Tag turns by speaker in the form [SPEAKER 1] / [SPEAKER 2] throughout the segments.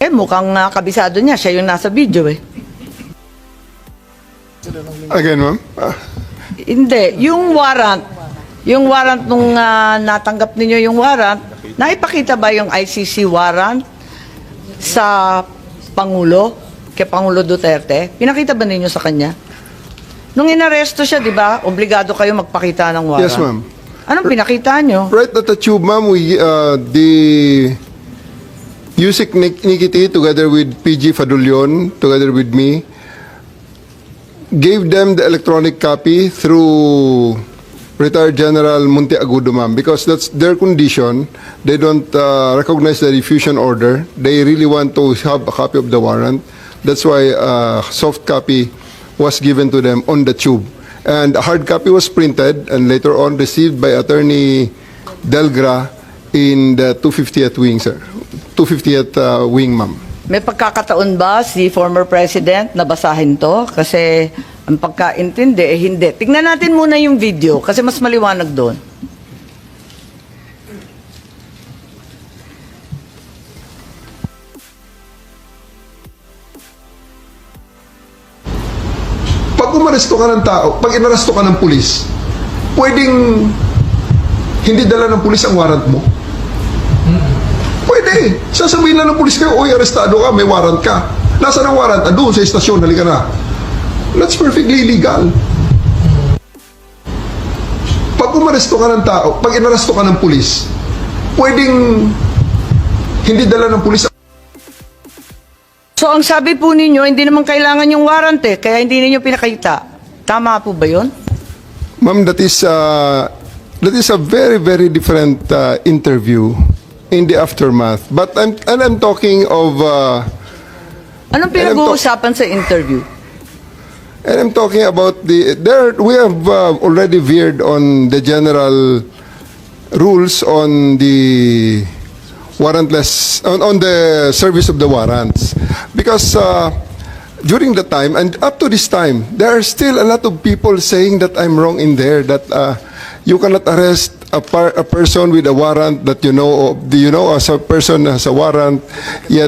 [SPEAKER 1] Eh, mukhang kabisado niya. Siya yung nasa video eh.
[SPEAKER 2] Again, ma'am?
[SPEAKER 1] Hindi. Yung warrant nung natanggap ninyo yung warrant, naipakita ba yung ICC warrant sa Pangulo, kay Pangulo Duterte? Pinakita ba ninyo sa kanya? Nung inaresto siya, di ba, obligado kayo magpakita ng warrant.
[SPEAKER 2] Yes, ma'am.
[SPEAKER 1] Anong pinakita nyo?
[SPEAKER 2] Right at the tube, ma'am, the Yusek Nikiti, together with PG Fadulion, together with me, gave them the electronic copy through retired General Monteagudo, ma'am, because that's their condition. They don't recognize the diffusion order. They really want to have a copy of the warrant. That's why soft copy was given to them on the tube. And a hard copy was printed and later on received by Attorney Delgra in the 250th wing, sir. 250th wing, ma'am.
[SPEAKER 1] May pagkakataon ba si former president na basahin to? Kasi ang pagkaintindi, eh hindi. Tingnan natin muna yung video kasi mas maliwanag doon.
[SPEAKER 2] Pag umaresto ka ng tao, pag inaresto ka ng pulis, pwedeng hindi dala ng pulis ang warrant mo? Pwede. Sasabihin lang ng pulis kayo, oy, arestado ka, may warrant ka. Nasaan ang warrant? Doon sa istasyon, halika na. That's perfectly legal. Pag umaresto ka ng tao, pag inaresto ka ng pulis, pwedeng hindi dala ng pulis.
[SPEAKER 1] So ang sabi po ninyo, hindi naman kailangan yung warrant eh, kaya hindi ninyo pinakita. Tama po ba yun?
[SPEAKER 2] Ma'am, that is a very, very different interview in the aftermath. But I'm talking of...
[SPEAKER 1] Anong pinag-uusapan sa interview?
[SPEAKER 2] And I'm talking about we have already veered on the general rules on the warrantless, on the service of the warrants. Because during the time, and up to this time, there are still a lot of people saying that I'm wrong in there, that you cannot arrest a person with a warrant that you know as a person has a warrant, yet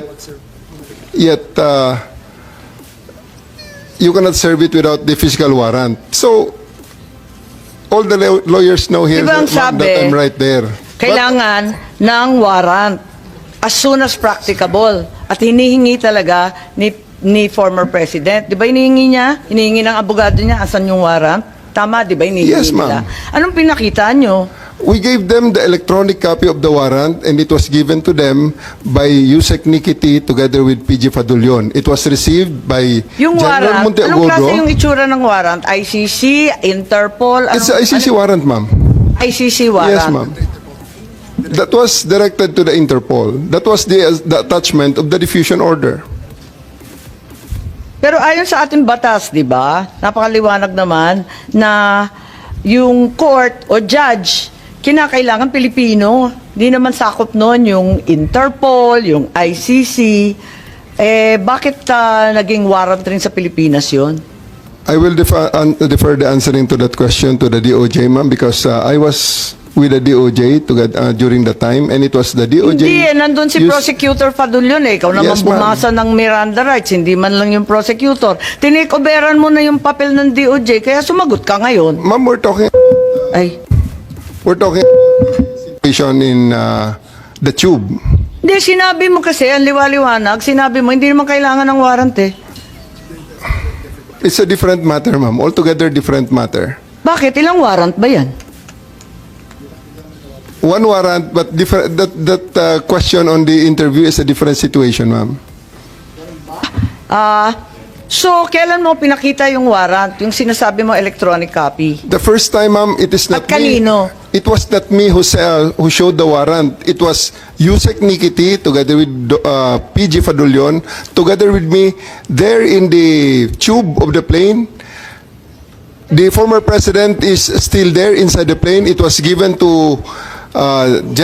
[SPEAKER 2] you cannot serve it without the physical warrant. So, all the lawyers know here
[SPEAKER 1] Ibang
[SPEAKER 2] that
[SPEAKER 1] sabi,
[SPEAKER 2] I'm right there.
[SPEAKER 1] Kailangan ng warrant as soon as practicable. At hinihingi talaga ni former president. Di ba hinihingi niya? Hinihingi ng abogado niya, asan yung warrant? Tama, di ba hinihingi
[SPEAKER 2] Yes,
[SPEAKER 1] nila?
[SPEAKER 2] ma'am.
[SPEAKER 1] Anong pinakita nyo?
[SPEAKER 2] We gave them the electronic copy of the warrant and it was given to them by Yusek Nikiti together with PG Fadulion. It was received by
[SPEAKER 1] Yung
[SPEAKER 2] General
[SPEAKER 1] warrant, anong klase
[SPEAKER 2] Monteagudo.
[SPEAKER 1] yung itsura ng warrant? ICC, Interpol?
[SPEAKER 2] It's an ICC warrant, ma'am.
[SPEAKER 1] ICC warrant.
[SPEAKER 2] Yes, ma'am. That was directed to the Interpol. That was the attachment of the diffusion order.
[SPEAKER 1] Pero ayon sa ating batas, di ba? Napakaliwanag naman na yung court o judge, kinakailangan Pilipino. Di naman sakop noon yung Interpol, yung ICC. Bakit naging warrant rin sa Pilipinas yun?
[SPEAKER 2] I will defer the answering to that question to the DOJ, ma'am, because I was with the DOJ during the time, and it was the DOJ.
[SPEAKER 1] Hindi, nandun si Prosecutor Fadulion eh. Ikaw naman
[SPEAKER 2] Yes, ma'am.
[SPEAKER 1] bumasa ng Miranda rights, hindi man lang yung prosecutor. Tinikoberan mo na yung papel ng DOJ, kaya sumagot ka ngayon.
[SPEAKER 2] Ma'am, we're talking situation in the tube.
[SPEAKER 1] Hindi, sinabi mo kasi, ang liwaliwanag, sinabi mo, hindi naman kailangan ng warrant eh.
[SPEAKER 2] It's a different matter, ma'am. Altogether different matter.
[SPEAKER 1] Bakit? Ilang warrant ba yan?
[SPEAKER 2] One warrant, but different. That question on the interview is a different situation, ma'am.
[SPEAKER 1] So, kailan mo pinakita yung warrant? Yung sinasabi mo electronic copy?
[SPEAKER 2] The first time, ma'am, it is not
[SPEAKER 1] At kanino?
[SPEAKER 2] me. It was not me who showed the warrant. It was Yusek Nikiti together with PG Fadulion, together with me there in the tube of the plane. The former president is still there inside the plane. It was given to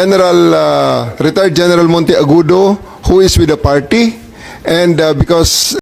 [SPEAKER 2] retired General Monteagudo, who is with the party. And because